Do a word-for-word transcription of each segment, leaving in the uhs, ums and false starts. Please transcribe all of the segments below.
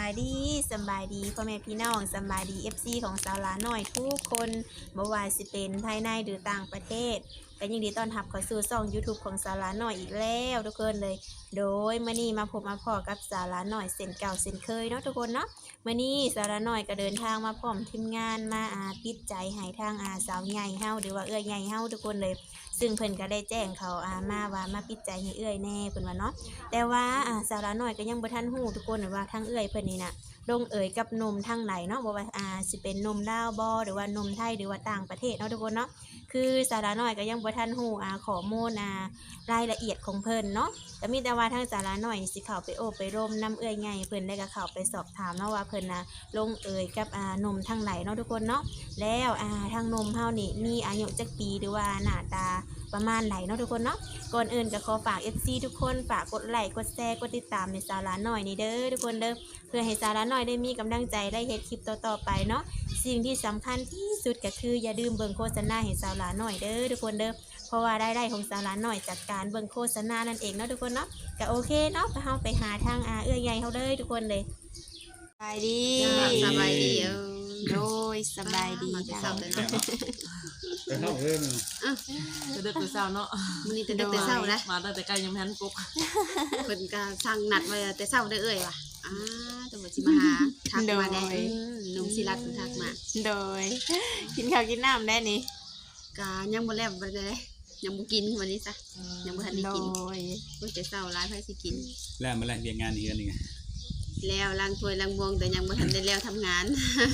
ายดีสำบายดีพ่อแม่พี่น้องสำบายดี เอฟ ซี ของสาวหลาน้อยทุกคนบ่ว่าสิเป็นภายในหรือต่างประเทศก็ยินดีต้อนรับเข้าสู่ช่อง YouTube ของสาวหลาน้อยอีกแล้วทุกคนเลยโดยมื้อนี้มาพบมาพอกับสาวหลาน้อยเส้นเก่าเส้นเคยเนาะทุกคนเนาะมื้อนี้สาวหลาน้อยก็เดินทางมาพร้อมทีมงานมาอาปิดใจให้ทางอาสาวใหญ่เฮาหรือว่าเอื้อยใหญ่เฮาทุกคนเลยซึ่งเพิ่นก็ได้แจ้งเขาอามาว่ามาปิดใจให้เอื้อยแน่เพิ่นว่าเนาะแต่ว่าอ่าสาวหลาน้อยก็ยังบ่ทันฮู้ทุกคนว่าทางเอื้อยเพิ่นนี่น่ะลงเอ่ยกับนมทางไหนเนาะบ่ว่าอ่าสิเป็นนมลาวบ่หรือว่านมไทยหรือว่าต่างประเทศเนาะทุกคนเนาะคือสาระน้อยก็ยังบ่ทันฮู้อ่าข้อมูลอ่ารายละเอียดของเพิ่นเนาะก็มีแต่ว่าทางสาระน้อยสิเข้าไปโอบไปร่มน้ำเอื้อยใหญ่เพิ่นได้ก็เข้าไปสอบถามเนาะว่าเพิ่นน่ะลงเอ่ยกับอ่านมทางไหนเนาะทุกคนเนาะแล้วอ่าทางนมเฮานี่มีอายุจักปีหรือว่าหน้าตาประมาณไหนเนาะทุกคนเนาะก่อนอื่นก็ขอฝาก เอฟ ซี ทุกคนฝากกดไลค์กดแชร์กดติดตามในสาระน้อยนี่เด้อทุกคนเด้อเพื่อให้สาระน้อยได้มีกำลังใจได้เฮ็ดคลิปต่อๆไปเนาะสิ่งที่สำคัญที่สุดก็คืออย่าลืมเบิ่งโฆษณาให้สาระน้อยเด้อทุกคนเด้อเพราะว่าได้ได้ของสาระน้อยจากการเบิ่งโฆษณานั่นเองเนาะทุกคนเนาะก็โอเคเนาะก็เฮาไปหาทางอาเอื้อยใหญ่เฮาเลยทุกคนเลยสบายดีสบายดีเออโดยสบายดีมาแต่จ้าเช้าแต่เนาะแต่เข้าเพิ่มจะเด็กแต่เช้าเนาะมื้อนี้แต่ดึกแต่เช้านะมาตั้งแต่ไกลยังไม่ทันปลุกเพิ่นก็สั่งนัดไว้แต่เช้าได้อเอ่ยว่ะอ่าตำรวจสิมาหาทักมาแน่อืมหนุ่มศิรัตน์เพิ่นทักมาโดยกินข้าวกินน้ำได้นี่ก็ยังบ่แล้วบ่ได้ยังบ่กินวันนี้ซะยังบ่ทันได้โดกินยเพิ่นแต่เช้าหลายไผสิกินแล้วมาแลกเรียนงานอีกอันหนึงแล้วล้างถ้วยล้างวงแต่ยังบ่ทันได้แล้วทำงาน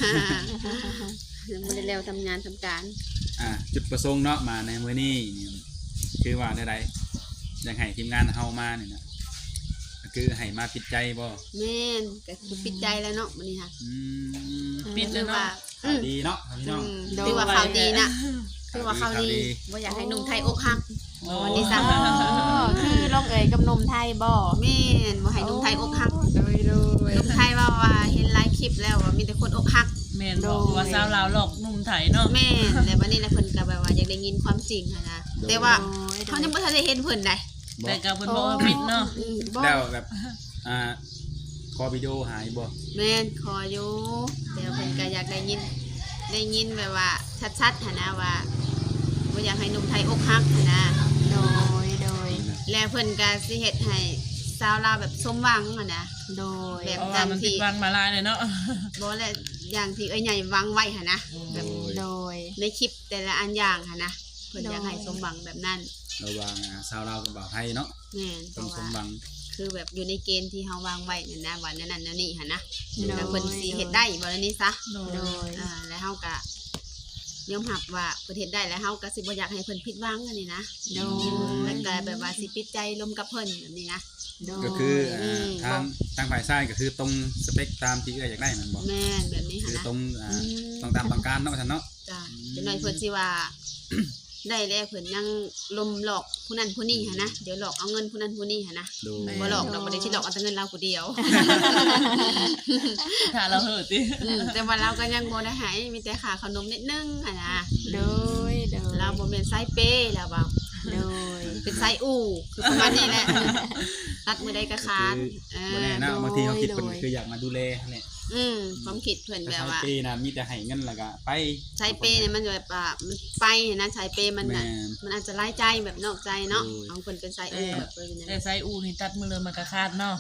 ยังบ่ได้แล้วทำงานทำการอ่าจุดประสงค์เนาะมาในมื้อนี้คือว่าได้ๆอยากให้ทีมงานเฮามานี่นะก็คือให้มาปิดใจบ่แม่นก็คือปิดใจแล้วเนาะมื้อนี้ค่ะอืมปิดถืแล้วอว่าเนาะดีเนาะพี่น้องอืมถือว่าข่าวดีนะถือว่าข่าวดีบ่อยากให้หนุ่มไทยอกหัก วันนี้อ๋ซะอคือลงเอ่ยกับนมไทยบ่แม่นบ่ให้หนุ่มไทยอกหักโดยโดยหนุ่มไทยว่าว่าเห็นหลายคลิปแล้วว่ามีแต่คนอกหักแม่นบอกว่าสาวลาวหลอกหนุ่มไทยเนาะแม่นแล้ววันนี้นะเพิ่นก็แบบว่าอยากได้ยินความจริงหั้นนะแต่ว่าโดยเขายังบ่ทันได้เห็นเพิ่นได้บ่แต่กับเพิ่นบอกว่าปิดเนาะอืมบ่แล้วแบบอ่าขอวิดีโอหายบ่แม่นขออยู่แต่เพิ่นก็อยากได้ยินได้ยินแบบว่าชัดๆหันนะว่าบ่อยากให้หนุ่มไทยอกหักหันนะโดยโดยแล้วเพิ่นก็สิเฮ็ดให้ชาวลาวแบบสมหวังหันนะโดยแบบเพราะว่ามันปิดวันมาลายเลยเนาะบ่แลวอย่างที่เอ้ยใหญ่วางไว้หันนะแบบโดยในคลิปแต่ละอันอย่างหันนะเพิ่นอยากให้สมหวังแบบนั้นระหว่างอ่าชาวลาวกับบ่าวไทยเนาะแม่นเพต้องราะสมว่าหวังคือแบบอยู่ในเกณฑ์ที่เฮาวางไว้นั่นนะว่านั่นนั่นนั่นนี่หันนะโดยแล้วเพิ่นสิเฮ็ดได้บ่แล้วนี่ซะโดโดยยอ่าแล้วเฮาก็ยอมรับว่าเพิ่นเฮ็ดได้แล้วเฮาก็สิบ่อยากให้เพิ่นผิดหวังอันนี้นะโดแล้วยก็แบบว่าสิปิดใจลมกับเพิ่นแบบนี้นะโดยก็คืออ่าอืมทางทางฝ่ายซ้ายก็คือตรงสเปคตามที่เอ้ยอยากได้มันบ่แม่นแบบนี้คืหันอนะตรงอ่าอืมต้องตามต้องการเนาะว่าซั่นเนาะจ้ะจังหน่อยเพิ่นสิว่า ได้แล้วเพิ่นยังลมหลอกผู้นั้นผู้นี้หันนะเดี๋ยวหลอกเอาเงินผู้นั้นผู้นี้หันนะดูบ่หลอกดอกบ่ได้สิหลอกเอาแต่เงินเราผู้เดียวถ้าเราเหิดติอืมแต่ว่าเราก็ยังบ่ได้ให้มีแต่ค่าขนมนิดนึงหันนะโดยโดยเราบ่แม่นไซเป้แล้วว่าโดยเป็นไซอู่คือประมาณนี้แหละตัดมือได้ก็ขาดเอบ่อแน่เนาะบางทีเขาคิดเพิ่นโดยคืออยากมาดูแลเนี่ยอืมความคิดเพิ่นแต่แบบชาวว่าปีนะมีแต่ให้เงินแล้วก็ไปไซเป้เนี่ยมันแบบว่ามันไปนะไซเป้มันน่ะแม่นมันอาจจะไล่ใจแบบนอกใจเนาะโอ้ยเอาเพิ่นเป็นไซอู่แบบเพิ่นแต่เนี่ยไซอูนี่ตัดมือเลยมันก็ขาดเนาะ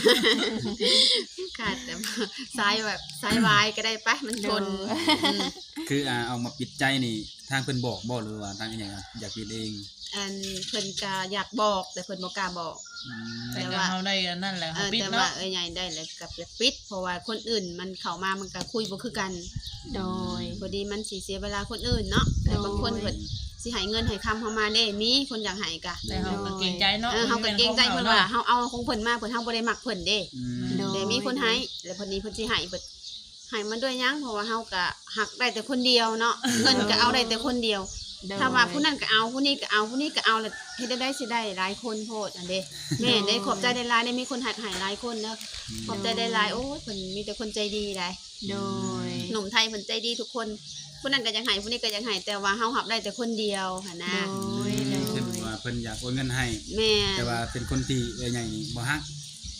ขาดแต่ว่าไซแบบไซวายก็ได้ปะมันชนอืมคืออ่าเอามาปิดใจนี่ทางเพิ่นบอกบ่หรือว่าทางอีหยังอะอยากปิดเองอันเพิ่นก็อยากบอกแต่เพิ่นบ่กล้าบอกอืมแต่ก็เฮาได้อันนั่นแหละเอเฮาอปิดแต่ว่าเนาะเอ้ยใหญ่ได้แล้วกับอยากปิดเพราะว่าคนอื่นมันเข้ามามันก็คุยบ่คือกันโดยพอดีมันสิเสียเวลาคนอื่นเนาะแต่บางคนเพิ่นสิให้เงินให้คำเฮามาเด้มีคนอยากให้กะแต่เฮาก็เกรงใจเนาะเออเฮาก็เกรงใจเพิ่นว่าเฮาเอาของเพิ่นมาเพิ่นเฮาบ่ได้มักเพิ่นเด้อืมโดยแต่มีคนให้แล้วเพิ่นนี้เพิ่นสิให้เพิ่นให้มันด้วยหยังเพราะว่าเฮาก็หักได้แต่คนเดียวเนาะเงินก็เอาได้แต่คนเดียวโดยถ้าว่าผู้นั้นก็เอาผู้นี้ก็เอาผู้นี้ก็เอาแล้วเฮ็ดได้ได้สิได้หลายคนโพดอันเด้แม่ได้ขอบใจได้หลายได้มีคนหัดให้หลายคนเนาะขอบใจได้หลายโอ้ยเพิ่นมีแต่คนใจดีได้โดยหนุ่มไทยเพิ่นใจดีทุกคนผู้นั้นก็ยังให้ผู้นี้ก็ยังให้แต่ว่าเฮาหับได้แต่คนเดียวหั่นนะโดยโดเช่นยว่าเพิ่นอยากโอนเงินให้แม่แต่ว่าเป็นคนที่เอ้ยใหญ่นี่บ่ฮัก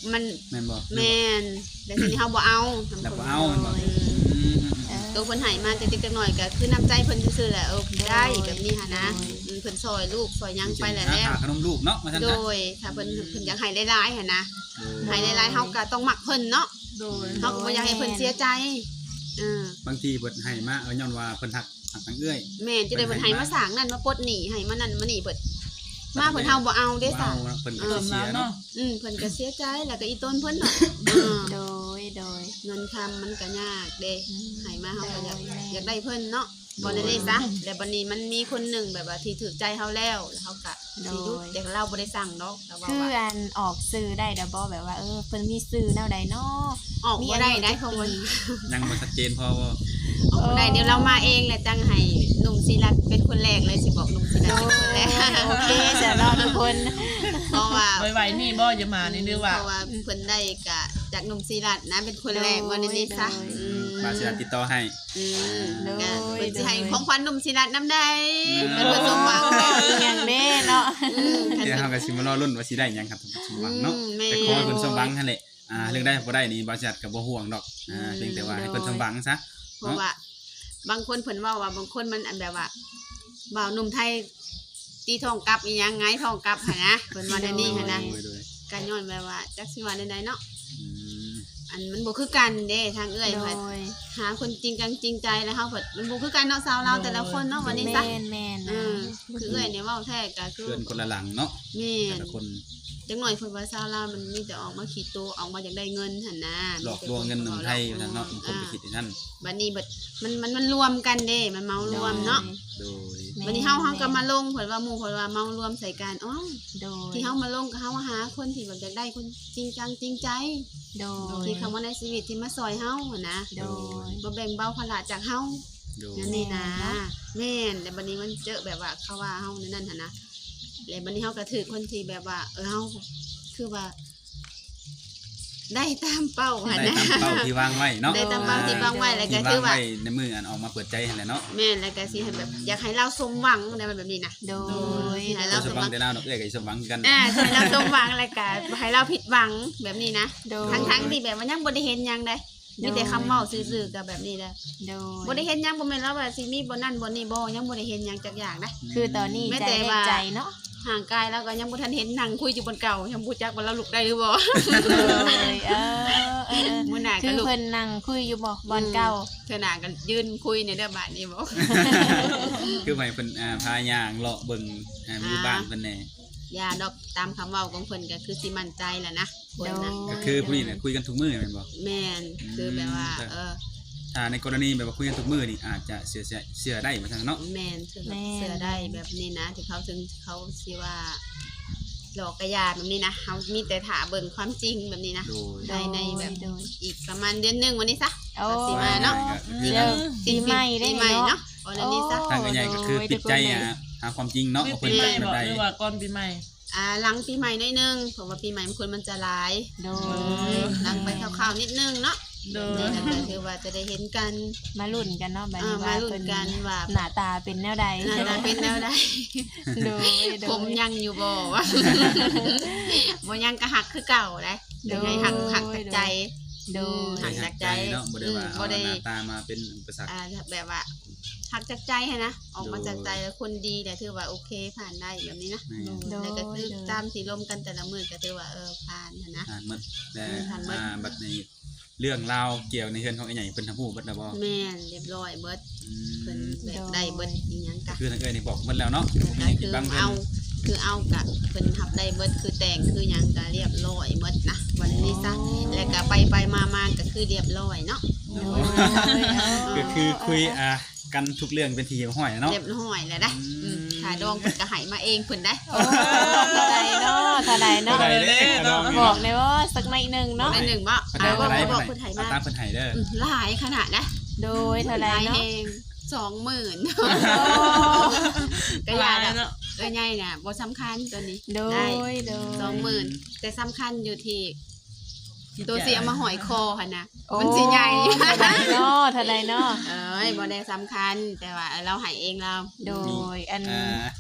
มันแม่นบ่แม่นแต่ทีนี้เฮาบ่เอาทำแล้วคนบ่เอาแม่นบ่อืมอืมเออตัวเพิ่นให้มาจักๆหน่อยๆก็คือน้ำใจเพิ่นซื่อๆแหละเออได้แบบนี้หั่นนะอืมเพิ่นซอยลูกซอยหยังไปแล้วแล้วหาขนมลูกเนาะว่าซั่นโดนะยถ้าเพิ่นเพิ่นอยากให้หลายๆหั่นนะโดยให้หลายๆเฮาก็ต้องมักเพิ่นเนาะโดยเฮาก็บ่อยากให้เพิ่นเสียใจเออบางทีเพิ่นให้มาเอาย้อนว่าเพิ่นฮักฮักทางเอื้อยแม่นจะได้เพิ่นให้มาสร้างนั่นมาปลดหนี้ให้มานั่นมานี่เพิ่นมาเพิ่นเฮาบ่เอาเด้บ่ซะเอาเพิ่นก็เริ่สิมเสีแล้ยว เนาะเนาะอืมเพิ่นก็เสียใจแล้วก็อีต้นเพิ่นเนาะเออโดยโดยเงินคำมันก็ยากเด้อืมให้มาเฮาก็อยากโดยแม่อยากได้เพิ่นเนาะบ่ได้ได้ซะแล้วบัดนี้มันมีคนหนึงแบบว่าที่ถูกใจเฮาแล้วแล้วเฮาก็สิหยุดแต่เราบ่ได้สั่งดอกแต่ว่าคือว่าอันออกสื่อได้ดอกบ่แบบว่าเออเพิ่นมีสื่อแนวใดเนาะออกบ่ได้ได้เพราะว่ายังบ่ชัดเจนพอบ่ออกบ่ได้เดี๋ยวเรามาเองแหละจังให้หนุ่มศิรัตน์เป็นคนแรกเลยสิบอกหนุ่มศิรัตน์เป็นคนแรกโอเคจะรอทุกคนเพราะว่าไวๆนี่บ่จะมานี่หรือว่าเพราะว่าเพิ่นได้กะจากหนุ่มศิรัตน์นะเป็นคนแรกวันนี้ซะอืมบาสิติดต่อให้อืมโดยก็เพิ่นสิให้ของขวัญหนุ่มศิรัตน์นำได้อืมเป็นคนสมหวังเอออีหยังเด้เนาะอืมเดี๋ยวเฮาก็สิมารอลุ้นว่าสิได้หยังครับท่านผู้ชมหวังเนาะอืมแม่แต่ขอให้เพิ่นสมหวังหั่นแหละอ่าเรื่องได้บ่ได้นี่บริษัทก็บ่ห่วงดอกอ่าเพียงแต่ว่าให้เพิ่นสมหวังซะเพราะว่า บางคนเพิ่นเว้าว่าบางคนมันอันแบบว่าบ่าวหนุ่มไทยตีทองกลับอีหยังไงทองกลับหั่นนะเพิ่นว่าในนี้หั่นนะโดยโดยการย้อนแบบว่าจักสิว่าใดๆเนาะอืมอันมันบ่คือกันเด้ทางเอื้อยโดเพิ่นยหาคนจริงจังจริงใจแล้วเฮาเพิ่นมันบ่คือกันเนาะสาวเราวแต่ละคนเนาะวันนี้ซะแม่นแม่นเออคือเอื้อยเนี่ยเว้าแท้ก็คือเพื่อนคนละหลังเนาะแม่แต่นละคนจังหน่อยเพิ่นว่าสาวลาวมันมีแต่ออกมาขี้ตัวออกมาอยากได้เงินหั่นนะหลอกลวงเงินหนุ่มไทยว่าซั่นเนาะผมคนไปคิดอ่าที่นั่นบัดนี้เบิดมันมันมันรวมกันเด้มันเมารวมเนาะโดยแม่บัดนี้เฮาเฮาก็มาลงเพิ่นว่าหมู่เพิ่นว่าเมารวมใส่กันอ๋อโดยที่เฮามาลงก็เฮาหาคนที่แบบอยากได้คนจริงจังจริงใจโดยที่เข้ามาในชีวิตที่มาซอยเฮาหั่นนะโดยบ่แบ่งเบาภาระจากเฮาโดยนั่นนี่นะแม่นเนาะแม่นแต่บัดนี้มันเจอแบบว่าเขาว่าเฮานั่นนั่นหั่นนะแล้วบัดนี้เฮาก็ถือคนที่แบบว่า เออเฮาคือว่า ได้ตามเป้าหั่นได้นะตามเป้าที่วางไว้เนาะได้ตามเป้าที่วางไว้แล้วก็ที่คืวาองว่าไว้ในมืออันออกมาเปิดใจหั่นแหละเนาะแม่นแล้วก็สิให้แบบ อยากให้เราสมหวังในแบบนี้นะโดยให้เราเราสสมมหหวัวังงแต่เราดอกเอ้ยก็สมหวังกันอ่าให้เราสมหวังแล้วก็ให้เราผิดหวังแบบนี้นะโดยทั้งๆที่แบบว่ายังบ่ได้เห็นหยังได้มีแต่คำเว้าซื่อๆกับแบบนี้แหละโดยบ่ได้เห็นหยังบ่แม่นแล้วว่าสิมีบ่นั่นบ่นี่บ่ยังบ่ได้เห็นหยังจักอย่างนะคือตอนนี้แม้ใจแต่แรกว่าใจเนาะห่างกายแล้วก็ยังบ่ทันเห็นนั่งคุยอยู่บนเก่ายังบ่จักว่าเราลุกได้หรือบ่เลยเออเออมื้อหน้าคืก็อลุกเพิ่นนั่งคุยอยู่บ่บอลเก่าเทื่อหน้าก็ยืนคุยในเด้อบาดนี้บ่คือให้เพิ่นอ่าพาย่างเลาะเบิ่งอ่าอยู่บ้านเพิ่นแน่อย่าดอกตามคำเว้าของเพิ่นก็คือสิมั่นใจแหละนะคนนะก็คือผู้นี้น่ะคุยกันทุกมื้อแม่นบ่แม่นคือแบบว่าอืมเออถ้าในกรณีแบบว่าคุยกันทุกมื้อนี่อาจจะเสียเสียเสียได้ว่าซั่นเนาะแม่นเสือเสือได้แบบนี้นะที่เขาถึงเขาสิว่าหลอกกระยาแบบนี้นะเขามีแต่ถาเบิ่งความจริงแบบนี้นะโดยได้ในแบบโดยอีกประมาณเดือนหนึงวันนี้ซะโอ้สิมาเนาะคือเดี๋ยวปีใหม่ได้ปีใหม่เนาะเนาะวันนี้ซะทางใหญ่ก็คือปิดใจอ่ะหาความจริงเนาะมีว่าปีเพิ่นใหม่เป็นแบบบ่ใดหรือว่าก่อนปีใหม่อ่าหลังปีใหม่หน้อยหนึงเพราะว่าปีใหม่มันคนมันจะหลายโดเอย อหลังไปคร่าวๆนิดนึงเนาะโดยนี่ก็คือว่าจะได้เห็นกันมาลุ้นกันเนาะบัดอ่านี้มาว่าลุ้นเพิ่นกันว่าหน้าตาเป็นแนวใดหน้าตาเป็นแนวใดโดยโดผมยยังอยู่บ่วะ บ่ยังก็หักคือเก่าได้โดยยังไงหักหักจากใจโดยหักจากใจเนาะบ่ได้ว่าอืมบ่เอาได้หน้าตามาเป็นอุปสรรคอ่าแบบว่าหักจากใจให้นะออกมาโดยจากใจแล้วคนดีแต่ถือว่าโอเคผ่านได้แบบนี้นะแม่โดยแล้วก็คือตามสีลมกันแต่ละมือก็ถือว่าเออผ่านหั้นนะอ่านหมดแต่อ่านหมดอ่าบัดนี้เรื่องราวเกี่ยวในเฮือนของไอ้ใหญ่เพิ่นทำผู้เบิดแล้วบ่แม่นเรียบร้อยเบิดอืเพิ่นมแบบได้เบิดอีหยังกะคือทางเอ้ยนี่บอกเบิดแล้วเนาะผมก็ยังคืกินอบ้างเพิ่นเอาคือเอากะเพิ่นทับได้เบิดคือแต่งคือหยังก็เรียบร้อยเบิดนะวันนี้ซะแล้วก็ไปไปมามาก็คือเรียบร้อยเนาะโดยก็คือคุยอ่ากันทุกเรื่องเป็นทีห้อยเนาะเรียบร้อยแล้วนะอืมอืมขาดองเพิ่นก็ให้มาเองเพิ่นได้โอ้เท่าใดเนาะเท่าใดเนาะเท่าใดเด้อน้องนี่บอเนาะกเลยว่าสักหน่อยหนึงเนาะได้หนึ่งบ่เท่าอ่าใดบ่เท่าใดบ่บอกเพิ่นให้เอามาตามเพิ่นให้เด้ออืมหลายขนาดนะโดยเท่าใดหลายเนาะเองสองหมื่นโอ้ก็อยากหลอะเนาะเอ้ยใหญ่น่ะบ่สำคัญตัวนี้โดได้ยโดยสองหมื่นแต่สำคัญอยู่ที่จิตใจตัวสิเอามาหอยคอหั่นนะโอ้มันสิใหญ่เท่าใดเนาะเท่าใดเนาะเอ้ยบ่ได้สำคัญแต่ว่าเราให้เองเราโดยอันอ่า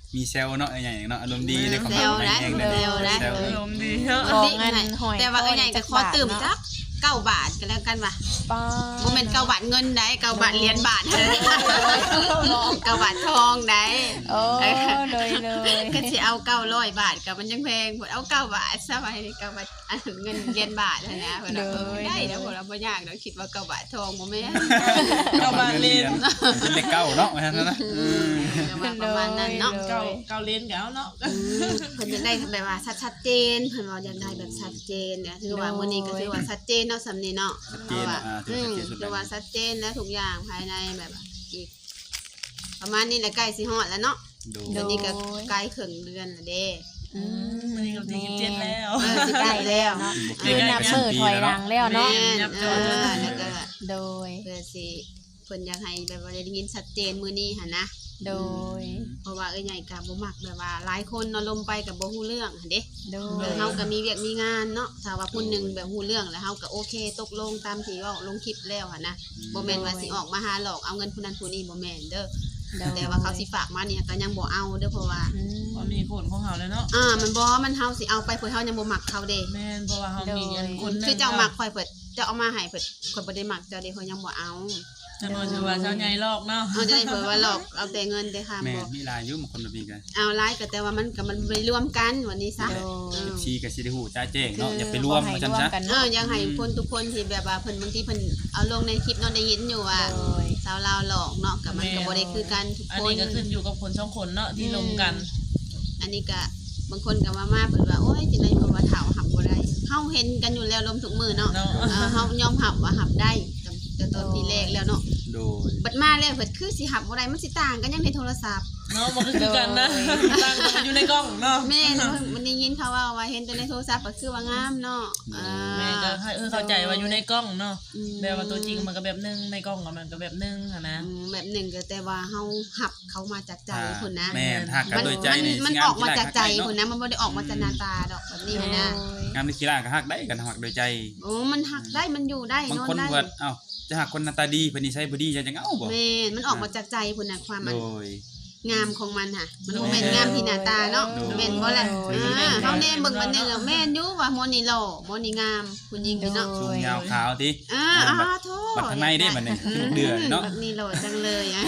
มีเซลล์เนาะไอ้ใหญ่เนาะอารมณ์ดีในความเซลล์นะเองเซลล์นะเซลล์อารมณ์ดีเนาะของเงินหอยแต่ว่าไอ้ใหญ่ก็ขอตื่มจักเก้าบาทก็แล้วกันว่ะป้าบ่แม่นเก้าบาทเงินได้เก้าบาทเหรียญบาทเด้อเก้าบาททองได้โอ้เลยเลยก็สิเอาเก้าร้อยบาทก็มันยังแพงพุ่นเอาเก้าบาทซะไว้เก้าบาทอันเงินเหรียญบาทนั่นนะเพิ่นว่าเออได้แล้วพุ่นเราบ่ยากดอกคิดว่าเก้าบาททองบ่แม่นเก้าบาทเรียนเป็นเลขเก้าเนาะว่าซั่นนะอืมก็ว่าประมาณนั้นเนาะเก่าเก่าเล่นแล้วเนาะอืมเพิ่นอยากได้แบบว่าชัดๆเจนเพิ่นว่าอยากได้แบบชัดเจนเนี่ยคือว่ามื้อนี้ก็คือว่าชัดเจนเนาะสำนี้เนาะชัดเจนว่าอ่าถือือมชัดเจนสุดคือแล้วว่าชัดเจนและทุกอย่างภายในแบบว่าอีก ประมาณนี้แหละใกล้สิฮอดแล้วเนาะดูเดี๋ยวนี้ก็ใกล้ครึ่งเดือนแล้วเด้อืมมันนี่ก็ตีเจ็ดแล้วเออสิใกล้แล้วเนาะคือนับมือถอยหลังแล้วเนาะแม่นยับเอจออจนแล้วก็โดยเพื่อสิเพิ่นอยากให้แบบว่าได้ยินชัดเจนมื้อนี้หั่นนะโดยเพราะว่าเอ้ยใหญ่ก็บ่มักแบบว่าหลายคนเนาะลมไปก็บ่ฮู้เรื่องหั่นเด้โดเอย อเฮาก็มีเวียกมีงานเนาะถ้าว่าผู้หนึงแบบฮู้เรื่องแล้วเฮาก็โอเคตกลงตามที่เว้าลงคลิปแล้วหั่นนะบ่แม่นว่าสิออกมาหาหลอกเอาเงินผู้นั้นผู้นี้บ่แม่นเด้อโดยแต่ว่าเขาสิฝากมาเนี่ยก็ยังบ่เอาเด้อเพราะว่าอืมก็มีผลของเขาแล้วเนาะอ่ามันบ่มันเฮาสิเอาไปเพิ่นเฮายังบ่มักเขาเด้แม่นเพราะว่าเขามีอันคนหนึงคือเจ้ามักข่อยเพิ่นเจ้าเอามาให้เพิ่นข่อยบ่ได้มักเจ้าเด้ข่อยยังบ่เอาจะนอนชื่อว่าเจ้าใหญ่ลอกเนาะเอาจะได้เพิ่นว่าหลอกเอาแต่เงินแต่ค่าแม่บ่มีหลายอยู่บางคนแบบนี้กันเอาหลายก็แต่ว่ามันก็มันบ่ได้รวมกันวันนี้ซะโดเอย อชีกับสิได้ฮู้จ้าแจ้งเนาะอย่าไปรวมให้ว่าซั่นร่วมซะกันเอเนาะอยังให้คนทุกคนที่แบบว่าเพิ่นบางทีเพิ่นเอาลงในคลิปเนาะได้ยินอยู่ว่าโดยสาวลาวหลอกเนาะก็มันก็บ่ได้คือกันทุกอันคนนี้ก็ขึ้นอยู่กับคนสองคนเนาะที่ลงกันอันนี้ก็บางคนก็ว่ามาเพิ่นว่าโอ้ยจังได๋เพิ่นว่าเฒ่าหับบ่ได้เฮาเห็นกันอยู่แล้วลมทุกมื้อเนาะเนาะเออเฮายอมหับว่าหับได้แต่ตอนที่แรกแล้วเนาะโดยบัดมาแล้วเพิ่นคือสิหับบ่ได้มันสิต่างกันยังในโทรศัพท์เนาะมันก็คือกันนะตั้งมันอยู่ในกล้องเนาะแม่นมันได้ยินเขาว่าว่าเห็นแต่ในโทรศัพท์ก็คือว่างามเนาะอ่าแม่ก็ให้เออเข้าใจว่าอยู่ในกล้องเนาะอืมแบบว่าตัวจริงมันก็แบบนึงในกล้องก็มันก็แบบนึงอะนะอืมแบบหนึ่งก็แต่ว่าเฮาหับเขามาจากใจคุณนะแม่นหักกันมันโดยใจมันนี่มันสิงออกมาจากใจเนาะคุณนะมันบ่ได้ออกมาจากหน้าตาดอกแบบนี้นะงามในกีฬาก็หักได้กันหักโดยใจโอ้มันหักได้มันอยู่ได้บางนอนคนได้เพิ่นเอ้าจะหักคนหน้าตาดีเพิ่นนิสัยบ่ดีจะจังเอาบ่แม่นมันออกมาจากใจคุณนะความมันโดยงามของมันค่ะมันบ่แม่นงามที่หน้าตาเนาะโดยแม่นบ่แหละโดยอ่าเฮาแน่เบิ่งมันนึงอะแม่นอยู่ว่าโมนี่หล่อโมนี่งามคุณยิงนี่เนาะสูงยาวขาวติอ่าอ้าโธ่บัดข้างในเด้บัดนี้คือเดือดเนาะบัดนี้หล่อจังเลยอะ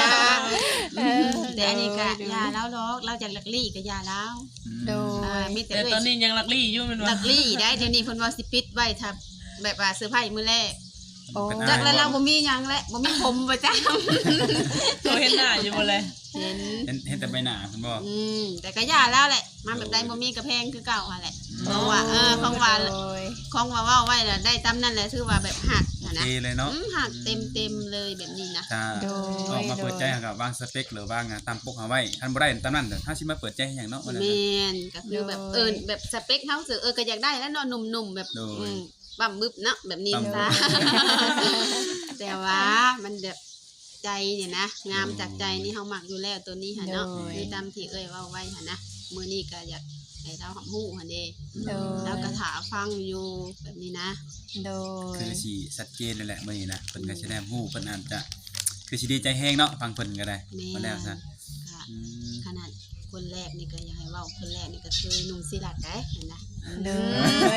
แต่อันนี้ก็ยาแล้วดอกเราจะลักลี่ก็ยาแล้วโดอ่าย มีแต่แต่เอ้ยตอนนี้ยังลักลี่อยู่แมันลัว่ากลี่ได้เดี๋ยวนี้เพิ่นว่าสิปิดไว้ถ้าแบบว่าเซอร์ไพรส์มื้อแรกโอ้จักแล้วเราบ่มีหยังแล้วบ่มีผมประจำตัวเห็นหน้าอยู่บ่เลยเห็นเห็นเห็นแต่ใบหน้าเพิ่นบ่อืมแต่ก็ย่าแล้วแหละ มาแบบใดบ่มีกระแพงคือเก่าหั่นแหละอืมเพราะว่าเออของว่าโดยของว่าเว้าไว้แล้วได้ตามนั้นแหละถือว่าแบบหักโออะเคนะเลยเนาะอืมหักเต็มๆเลยแบบนี้นะถ้าโดยออกมาเปิดใจให้กับวางสเปคหรือว่างานตามปกเอาไว้ท่านบ่ได้ตามนั้นแต่ถ้าสิมาเปิดใจให้หยังเนาะว่านั้นแมนะนก็คือแบบเออแบบสเปคเฮาสึเออก็อยากได้แล้วเนาะหนุ่มๆแบบโดยอืมบั่มบึบเนาะแบบนี้บั้มบึบซะ แต่ว่ามันแบบใจเนี่ยนะงามจากใจนี่เฮามักอยู่แล้วตัวนี้หั่นเนาะโดยคือตามที่เอ้ยเว้าไว้หั่นนะมื้อนี้ก็อยากให้เราหอมฮู้หั่นเด้โดยแล้วก็ถาฟังอยู่แบบนี้นะโดยคือสิชัดเจนเลยแหละมื้อนี้นะเพิ่นก็สิได้ฮู้เพิ่นอาจจะคือสิดีใจแฮงเนาะฟังเพิ่นก็ได้แม่มาแล้วซะค่ะอืมขนาดคนแรกนี่ก็อยากให้เว้าคนแรกนี่ก็คือหนุ่มศิลัดได้เห็นนะโดย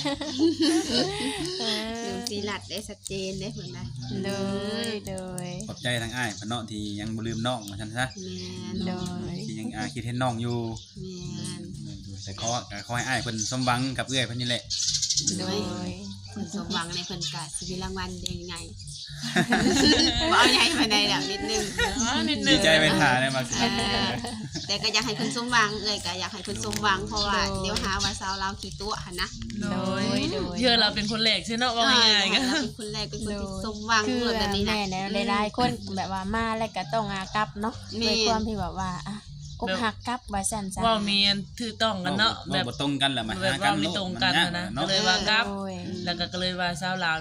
หนุ่มศิลัดได้ชัดเจนได้เห็นนะโดยโดยขอบใจทางอ้ายเพิ่นเนาะที่ยังบ่ลืมน้องว่าซั่นซะแม่นโดยที่ยังอาคิดเห็นน้องอยู่แม่นแต่ขอก็ขอให้อ้ายเพิ่นสมหวังกับเอื้อยเพิ่นนี่แหละโดยเพิ่นสมหวังในเพิ่นกะสิมีรางวัลได้ยังไง บ่เอาใหญ่มาได้แล้วนิดนึงอ๋อนิดนึดีงใจไปถ่าได้มาสิเออแต่ก็อยากให้เพิ่นสมหวังเอ้ยก็อยากให้เพิ่นสมหวังเพราะว่าเดี๋ยวหาว่าสาวลาวขี้ตัวหั่นนะโดยโดยเชื่อเราเป็นคนแรกใช่เนาะว่าง่ายๆกักัน นเป็นคนแรกเป็นคนที่สมหวังคือแบบนี้นะแม่เนี่ยหลายๆคนแบบว่ามาแล้วก็ต้องอากลับเนาะแม่ด้วยความที่แบบว่าอ่ะอกหักกลับว่าซั่นซะว่ามีอันถือต้องกันเนาะแบแบบ บบ่ตรงกันแหละมาแบบหากัว่าน ไม่ตรงกันมันะเนาะก็เลยว่ากับโดยแล้วก็ก็เลยว่าสาวลาวที่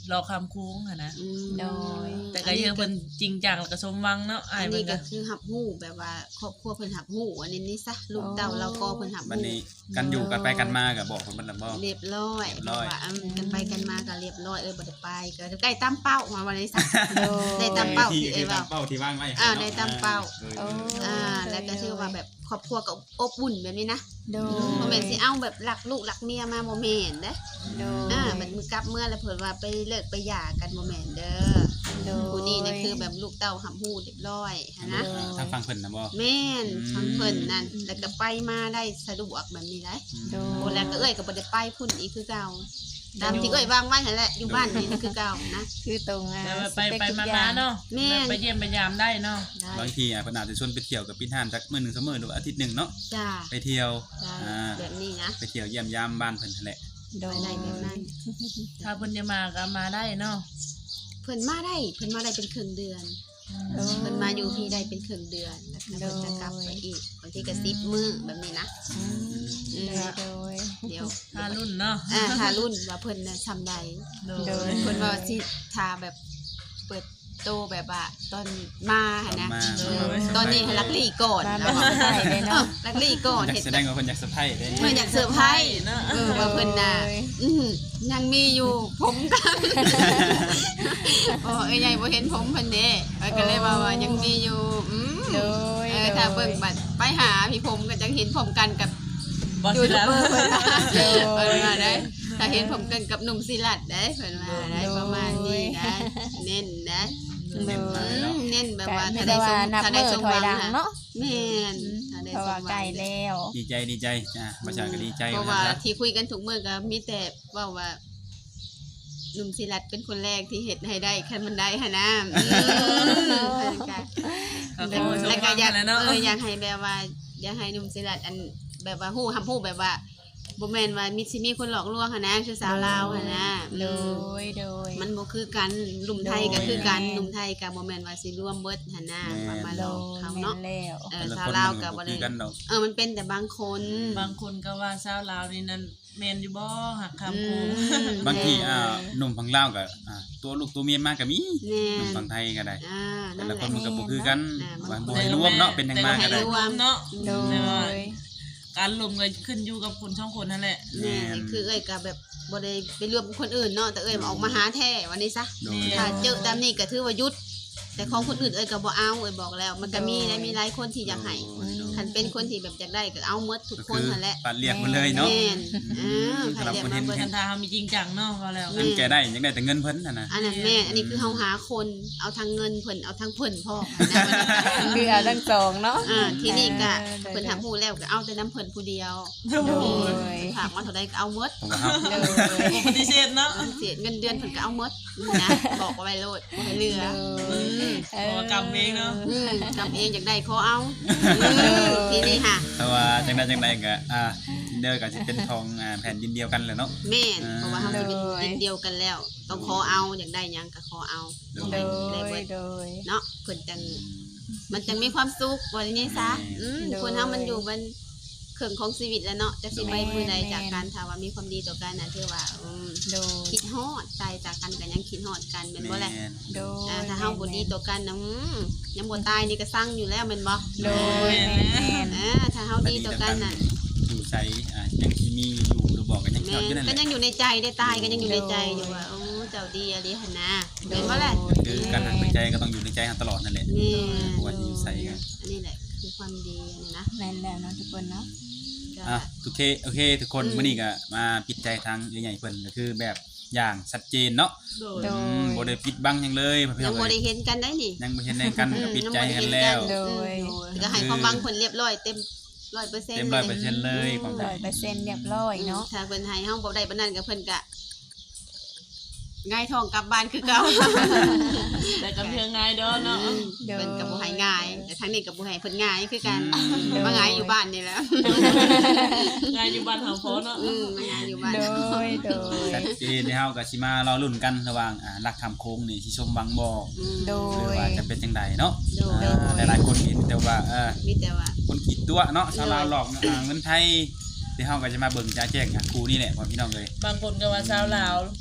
รอคำคุ้งอะนะอืมโดยแต่ก็ยังเพิ่นจริงจังแล้วก็สมหวังเนาะอ้าอัยนเพิ่นี้นก็ก็คือหับหูแบบว่าครอบครัวเพิ่นหับหูอันนี้นี่ซะลูกเต่าเราก็เพิ่นหับบัดหูนี้กันอยู่กันไปกันมาก็บอกเพิ่นเบิดแล้วบ่เรียบร้อยเรียบร้อยว่าอืมกันไปกันมาก็เรียบร้อยเออบ่ได้ไปก็ใกล้ตามเป้ามาวันนี้ซะโดยได้ตามเป้าที่ที่เอ้คืยอว่าตามเป้าที่วางไว้อ่าได้ตามเป้าอออ่าแล้วก็ชื่อว่าแบบครอบครัวก็อบอุ่นแบบนี้นะโดบ่ยแม่นสิเอาแบบรักลูกรักเมียมาบ่แม่นเด้โดยอ่ามันมือกลับเมื่อแล้วเพิ่นว่าไปเลิกไปหย่ากันบ่แม่นเด้อโดยผู้นี้นี่คือแบบลูกเต้าหับหูเรียบร้อยหั้นนะทางฝั่งเพิ่นนะบ่แม่นอืมทางเพิ่นนั่นแล้วก็ไปมาได้สะดวกแบบนี้ได้โดโอ้ยแล้วก็เอ้ยก็บ่ได้ไปพุ่นอีกคือเก่าตามที่เอ้ยวางไว้นั่นแหละอยู่บ้านนี่คือเก่านะคือตรงอ่ะแต่ว่าไปสเปคไปทุกมาอย่ๆเนาะแม่นแบบไปเยี่ยมไปยามได้เนาะได้บางทีอ่ะเพิ่นอาจจะชวนไปเที่ยวกับพี่ท่านสักมื้อหนึงสองมื้อหรือว่าอาทิตย์หนึงเนาะจ้าไปเที่ยวได้อ่าแบบนี้นะไปเที่ยวเยี่ยมยามบ้านเพิ่นนั่นแหละโดยไปได้แบบนั้นถ้าเพิ่นจะมาก็มาได้เนาะเพิ่นมาได้เพิ่นมาได้เป็นครึ่งเดือนโดยเพิ่นมาอยู่พี่ได้เป็นครึ่งเดือนแล้วก็เพิ่นจะกลับไปอีกบางทีก็สิบมื้อแบบนี้นะอืมอืมโดยเดี๋ยวถ้ารุ่นเนาะอ่าถ้ารุ่นว่าเพิ่นน่ะทำได้โดโดยยเพิ่นว่าสิทาแบบเปิดโตแบบว่าตอนมาหั่นนะมาเออตอนนี้ให้ลักลี่ก่อนมาแล้วแบบใส่เลยเออเนาะลักลี่ก่อนอยากเฮ็ดแสดงว่าเพิ่นอยากเซอร์ไพรส์ได้เพิ่นอยากเซอร์ไพรส์เนาะเออว่าเพิ่นน่ะอื้อหือยังมีอยู่ผมกันโอ้เอ้ยใหญ่บ่เห็นผมเพิ่นเด้เอ้ยก็เลยว่าว่ายังมีอยู่อืมโดยเออถ้าเบิ่งบัดไปหาพี่ผมก็จังเห็นผมกันกับบ่ยูสิทูแล้บวเบอร์เพิ่นว่าโดยเพิ่นว่าได้ถ้าเห็นผมกันกับหนุ่มศิลัดได้เพิ่นว่าได้ประมาณนี้นะเน้นนะเน้นไปเนาะเน้นแบบก็ว่ามีถ้าแต่ได้สว่าม นับถ้ามืได้อสมถหอยวังหลังน่ะเนาะแม่นถ้าได้เพราะสว่ามหใกวัล้งแล้วดีใจดีใจอ่ะประชาก็ดีใจเพราะว่าว่าซะที่คุยกันทุกมื้อก็มีแต่ว่าว่าหนุ่มศิลัดเป็นคนแรกที่เฮ็ดให้ได้คันมันได้หั่นนะอืมเพิ่นก็ก็ขอให้สมแล้วหก็วังอยากนั่นแหละเนาะเอออยากให้แบบว่าอยากให้หนุ่มศิลัดอันแบบว่าฮู้คำพูดแบบว่าบ่แม่นว่ามีสิมีคนหลอกลวงหั่นนะคือสาวลาวหั่นนะโดอืมยโดยมันบ่คือกันหนุ่มไทยก็คือกันโดยหนุ่มไทยก็บ่แม่นว่าสิรวมเบิดหั่นนะว่ามาหโดลอกยเขาแม่เนาะนแล้วเออแต่ละสาวคนลาวมันก็ก็บ่บ่ได้คือกันดอกเออมันเป็นแต่บางคนบางคนก็ว่าชาวลาวนี่นั่นแม่นอยู่บ่หักอืคำคุ้งมบางทีอ่าหนุ่มฝั่งลาวก็อ่าตัวลูกตัวเมียมาก็มีแน่หนุ่มฝั่งไทยก็ได้อ่าแต่นั่นละแหคละนมันก็บ่คือกันอ่าว่าบ่ให้รวมเนาะเป็นทางมาก็ได้แต่บ่ให้รวมเนาะโดแต่ว่าย การรวมก็ขึ้นอยู่กับคนช่องคนนั่นแหละแน่คือเอ้ยก็แบบบ่ได้ไปรวมกับคนอื่นเนาะแต่เอ้ยมาออกมาหาแท้วันนี้ซะโดยถ้าเจอตามนี้ก็ถือว่าหยุด แต่ของคนอื่นเอ้ยก็บ่เอาเอ้ยบอกแล้ว มันก็มีได้มีหลายคนที่อยากให้คันเป็นคนที่แบบอยากได้ก็เอาหมดทุกคนนั่นแหละปัดเรียกมาเลยเนาะแม่นเออใครเรียกมาเบิดคันทาเฮามีจริงจังเนาะก็แล้วแม่อันแกได้ยังได้แต่เงินเพิ่นน่ะนะอันนั้นแม่นอันนี้คือเฮาหาคนเอาทางเงินเพิ่นเอาทางเพิ่นพ่อนะมันคือเอาทั้งสองเนาะอ่าที่นี่ก็เออเพิ่นทำผู้แล้วก็เอาแต่น้ำเพิ่นผู้เดียวโดโดยยฝากมาเท่าใดก็เอาหมดผมว่าเฮาโดยบ่ปฏิเสธเนาะเสียเงินเดือนเพิ่นก็เอาหมดนะบอกเอาไว้โลดบ่ให้เหลือโดยอืมเอเพราะว่ากรรมเองเนาะอืมจำเองอยากได้ขอเอาทีนี้ค่ะแต่ว่าจังได๋จังไดก็อ่าเด้อก็สิเป็นทองอ่าแผ่นดินเดียวกันแหละเนาะแม่นอ่าเพราะว่าเฮาสิเป็นดินเดียวกันแล้ว ต้องขอเอาอยากได้หยังก็ขอเอาโดโดได้ยเบิดโดยเนาะเพิ่นจังมันจังมีความสุขว่าอย่างนี้ซะอืมโดยคนเฮามันอยู่มันเครื่องของชีวิตแล้วเนาะจะสิไปมื้อใดแม่นจากการถ้าว่ามีความดีต่อกันน่ะถือว่าอืมโดยคิดฮอดใจจากกันก็ยังคิดฮอดกันแม่นบ่แหละแม่นโดยอ่าถ้าเฮาบ่ดีต่อกันนะอืมยังบ่ตายนี่ก็สั่งอยู่แล้วแม่นบ่โดยแม่นอ่าถ้าเฮาดีต่อกันน่ะอยู่ใช้อ่ายังสิมีอยู่หรือบอกกันยังแม่เท่าอยู่นั่นก็แหละยังอยู่ในใจได้ตายก็ยังอยู่ในใจอยู่ว่าโอ้เจ้าดีอะไรหั่นนะแม่นบ่แหละคือการหักในใจก็ต้องอยู่ในใจตลอดนั่นแหละแม่บ่ว่าจะอยู่ใส่กันอันนี้แหละคือความดีอันนี้นะแม่นแล้วเนาะทุกคนเนาะก็อ่ะโอเคโอเค ทุกคนอืมมื้อนี้ก็มาปิดใจทางใหญ่ๆเพิ่นก็คือแบบอย่างชัดเจนเนาะโดโดอืยมบ่ได้ปิดบังหยังเลยพี่ยัน้งองบ่เอ้ได้ยเห็นกันได้นี่ยังบ่เห็นในกันก็ปิดใจกันแล้วโดยก็ให้ความหวังเพิ่นเรียบร้อยเต็มร้อยเปอร์เซ็นต์เต็มร้อยเปอร์เซ็นต์เลยความร้อยเปอร์เซ็นต์เรียบร้อยเนาะถ้าเพิ่นให้เฮาบ่ได้ปานนั้นก็เพิ่นก็ง่ายท้องกลับบ้านคือเก่าแต่ก็เพียงง่ายเด้อเนาะเพิ่นก็บ่ให้ง่าย แต่ทางนี้ก็บ่ให้เพิ่นง่ายคือกันอืมมาง่ายอยู่บ้านนี่แหละง่ายอยู่บ้านเฮาพอเนาะอืมมาง่ายอยู่บ้านโดยโดยชัดเจนที่เฮาก็สิมารอลุ้นกันระหว่างอ่ารักคำโค้งนี่สิชมวังบ่อืมโดหรือย ว่าจะเป็นจังไดเนาะโดยอ่าหลายๆคนเห็นแต่ว่าเออมีแต่ว่าคนขีดตัวเนาะชาวลาวหลอกอ่าเงินไทยที่เฮาก็จะมาเบิ่งจ้าแจ้งอ่ะครูนี่แหละพ่อพี่น้องเอ้ยบางคนก็ว่าชาวลาว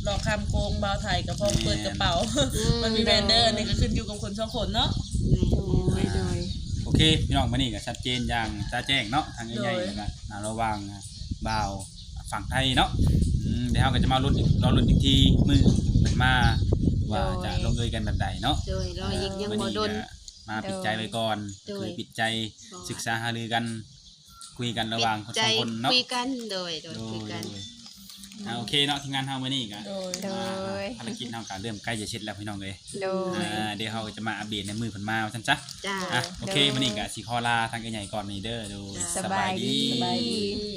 หลอกคำโกงบ่าวไทยกับพ่อเปิดกระเป๋า มันมีแบรนเดอร์นี่ก็ขึ้นอยู่กับคนสองคนเนาะแม่นโดยโอเคพี่น้องมื้อนี้ก็ชัดเจนอย่างจ้าแจ้งเนาะทางใหญ่ๆแล้วก็น่าระวังบ่าวฝั่งไทยเนาะอืมเดี๋ยวเราก็จะมาลุ้นอีกรอลุ้นอีกทีมื้อเพิ่นมาว่าจะลงเอยกันแบบใดเนาะโดยรออีกยังบ่โดนมาปิดใจไว้ก่อนโดยคือปิดใจศึกษาหารือกันคุยกันระหว่างคนใจสองคนเนาะคุยกันโดยโดยโดคุยยกันโดยอ่าโอเคเนาะทีมงานเฮามื้อนี้ก็โดยโดยภารกิจเฮาก็เริ่มใกล้จะเสร็จแล้วพี่น้องเอ้ยโดยอ่าเดี๋ยวเฮาก็จะมาอัปเดตในมือเพิ่นมาว่าซั่นจ้ะจ้าอ่ะโอเคมื้อนี้ก็สิขอลาทางใหญ่ๆก่อนนี่เด้อดูสบายดีสบายดี